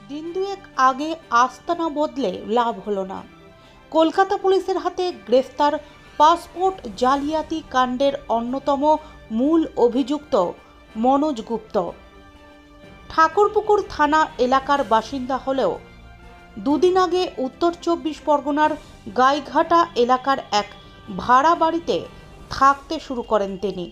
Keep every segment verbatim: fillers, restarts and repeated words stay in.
দিন দুয়েক আগে আস্তানা বদলে লাভ হলো না। কলকাতা পুলিশের হাতে গ্রেফতার পাসপোর্ট জালিয়াতি কাণ্ডের অন্যতম মূল অভিযুক্ত মনোজ গুপ্ত। ঠাকুরপুকুর থানা এলাকার বাসিন্দা হলেও দুদিন আগে উত্তর চব্বিশ পরগনার গাইঘাটা এলাকার এক ভাড়া বাড়িতে থাকতে শুরু করেন তিনি।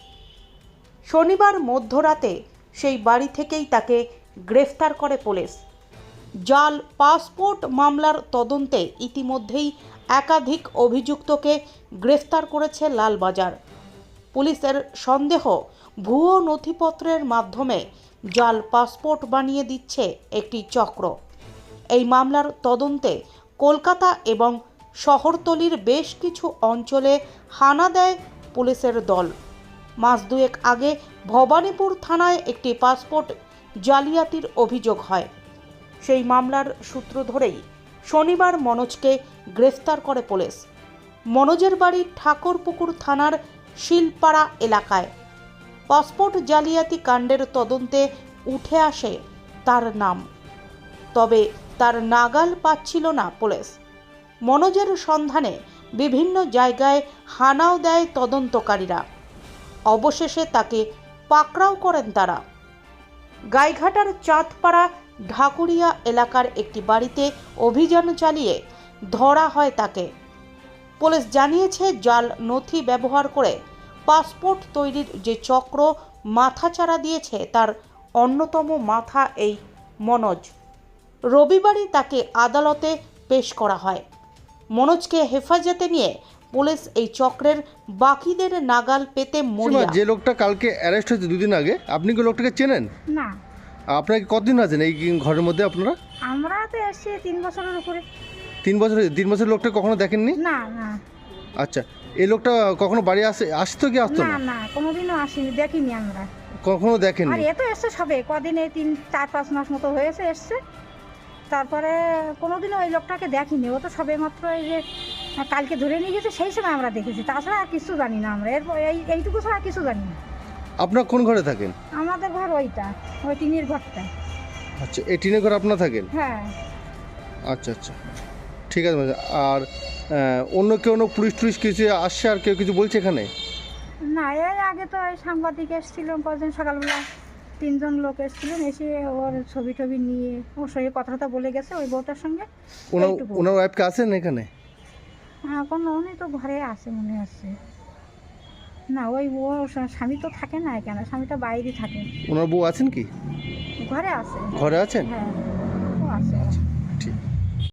শনিবার মধ্যরাতে সেই বাড়ি থেকেই তাকে গ্রেফতার করে পুলিশ। জাল পাসপোর্ট মামলার তদন্তে ইতিমধ্যেই একাধিক অভিযুক্তকে গ্রেফতার করেছে লালবাজার। পুলিশের সন্দেহ, ভুয়ো নথিপত্রের মাধ্যমে জাল পাসপোর্ট বানিয়ে দিচ্ছে একটি চক্র। এই মামলার তদন্তে কলকাতা এবং শহরতলির বেশ কিছু অঞ্চলে হানা দেয় পুলিশের দল। মাস দুয়েক আগে ভবানীপুর থানায় একটি পাসপোর্ট জালিয়াতির অভিযোগ হয়। সেই মামলার সূত্র ধরেই শনিবার মনোজকে গ্রেফতার করে পুলিশ। মনোজের বাড়ি ঠাকুরপুকুর থানার শিলপাড়া এলাকায়। পাসপোর্ট জালিয়াতি কাণ্ডের তদন্তে উঠে আসে তার নাম, তবে তার নাগাল পাচ্ছিল না পুলিশ। মনোজের সন্ধানে বিভিন্ন জায়গায় হানাও দেয় তদন্তকারীরা। অবশেষে তাকে পাকড়াও করেন তারা। গাইঘাটার চাঁদপাড়া ঢাকুরিয়া এলাকার একটি বাড়িতে অভিযান চালিয়ে ধরা হয় তাকে। পুলিশ জানিয়েছে, জাল নথি ব্যবহার করে পাসপোর্ট তৈরির যে চক্র মাথাচাড়া দিয়েছে তার অন্যতম মাথা এই মনোজ। রবিবারই তাকে আদালতে পেশ করা হয়। মনোজকে হেফাজতে নিয়ে পুলিশ এই চক্রের বাকিদের নাগাল পেতে মরিয়া। যে লোকটা কালকে অ্যারেস্ট হয়েছে দুদিন আগে, আপনি কি লোকটাকে চেনেন? না। আপনাকে কতদিন আছেন এই ঘরের মধ্যে আপনারা? আমরা তো এসেছি তিন বছরের উপরে। তিন বছর তিন বছর লোকটা কখনো দেখেননি? না না। আচ্ছা, এই লোকটা কখনো বাড়ি আসে আসতো কি আসতো না না? না, কোনোদিনও আসেনি, দেখিনি আমরা। কখনো দেখেননি? আর এ তো এসছে সবে কদিন, এই তিন চার পাঁচ মাস মতো হয়েছে এসছে। তারপরে কোনোদিনও ওই লোকটাকে দেখিনি। ও তো সবে মাত্র এই যে কালকে ধরে নিয়ে গেছে সেই সময় আমরা দেখেছি, তাছাড়া আর কিছু জানি না আমরা। এরপর এই এইটুকু ছাড়া কিছু জানি না। আপনার কোন ঘরে থাকেন? আমাদের ঘর ওইটা, ওই টিনের ঘরটা। আচ্ছা, এই টিনের ঘরে আপনার থাকেন? হ্যাঁ। আচ্ছা আচ্ছা, ঠিক আছে। আর আহ, অন্য কেউ অন্য পুলিশ টুলিশ কিছু আসছে আর কেউ কিছু বলছে এখানে? না, এর আগে তো এই সাংবাদিক এসেছিলেন কদিন সকালবেলা, তিনজন লোক এসেছিলেন, এসে ওর ছবি টবি নিয়ে ওর সঙ্গে কথাটা বলে গেছে ওই বউটার সঙ্গে। ওনার এইটুকু। ওনার ওয়াইফকে আছেন এখানে? হ্যাঁ, কোনো উনি তো ঘরে আছে মনে হচ্ছে। না, ওই ওর স্বামী তো থাকে না এখানে, স্বামীটা বাইরে থাকে। ওনার বউ আছেন কি? ঘরে আছে। ঘরে আছেন? হ্যাঁ।